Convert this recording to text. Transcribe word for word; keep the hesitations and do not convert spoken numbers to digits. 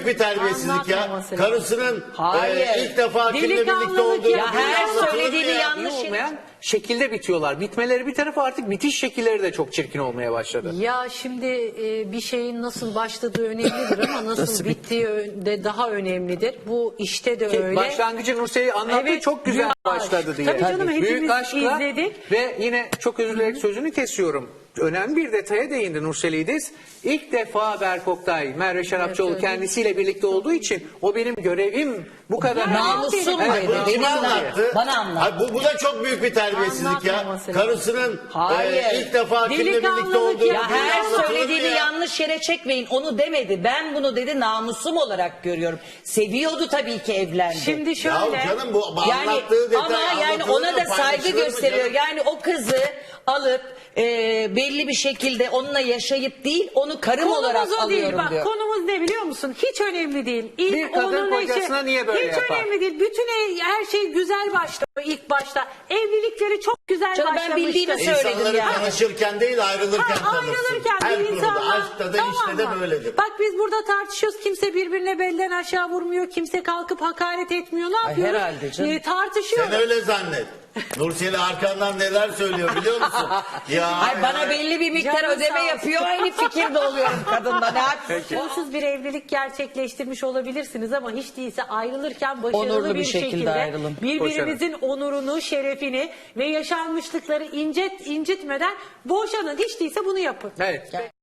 büyük bir terbiyesizlik ya. Anlatmaması Karısının Hayır. e, ilk defa kimle birlikte Delikanlılık olduğu ya. Ya her anlatılır söylediğini mı ya? yanlış İyi olmayan şekilde bitiyorlar. Bitmeleri bir tarafa artık bitiş şekilleri de çok çirkin olmaya başladı. Ya şimdi e, bir şeyin nasıl başladığı önemlidir ama nasıl, Nasıl bittiği ö- de daha önemlidir. Bu işte de Ki öyle. Başlangıcı Nursel'i anlattı, Evet, çok güzel büyük aşk. başladı diye. Tabii canım, hepimiz Büyük aşkla izledik. ve yine çok özür dilerim sözünü kesiyorum. Önemli bir detaya değindi Nursel İdiz. İlk defa Berk Oktay, Merve Şarapçıoğlu evet. kendisiyle birlikte olduğu için o benim görevim bu kadar. Namusum Evet, dedi. Bu Beni kime anlat. anlattı? Bana anlat. Hayır, bu, bu da çok büyük bir terbiyesizlik ya. Anlatmaması lazım. Karısının Hayır. e, ilk defa kimle birlikte Delikanlılık olduğu ya. Ya her anlatılır mı söylediğini ya? yanlış yere çekmeyin. Onu demedi. Ben bunu dedi namusum olarak görüyorum. Seviyordu tabii ki evlendi. Şimdi şöyle. Ya canım bu yani anlattığı detay ama yani anlatılır ona mı, da saygı paylaşılır mı gösteriyor. canım? Yani o kızı alıp e, belli bir şekilde onunla yaşayıp değil, onu karım olarak Konumuz o değil. alıyorum Bak, diyor. konumuz ne biliyor musun? Hiç önemli değil. İlk Bir kadın onun kocasına eşi- niye böyle Hiç yapar? önemli değil. Bütün ev- her şey güzel başlıyor ilk başta. Evlilikleri çok güzel Canım ben başlamıştı. bildiğimi söyledim İnsanları yani. tanışırken değil ayrılırken Ha, tanırsın. ayrılırken Her bir konuda, insanla, aşkta da tamam işte de mı? böyledir. Bak biz burada tartışıyoruz. Kimse birbirine belden aşağı vurmuyor. Kimse kalkıp hakaret etmiyor. Ne yapıyoruz? herhalde canım. Ee, tartışıyoruz. Sen öyle zannet. Nursel'i arkandan neler söylüyor biliyor musun? Ya, Ay bana belli bir miktar Canın ödeme sağ olsun. yapıyor. Aynı fikirde oluyorum kadınla. Ne yapıyorsun? Onsuz bir evlilik gerçekleştirmiş olabilirsiniz ama hiç değilse ayrılırken başarılı Onurlu bir, bir şekilde şekilde ayrılın. birbirinizin onurunu, şerefini ve yaşanmışlıkları incit incitmeden boşanın. Hiç değilse bunu yapın. Evet.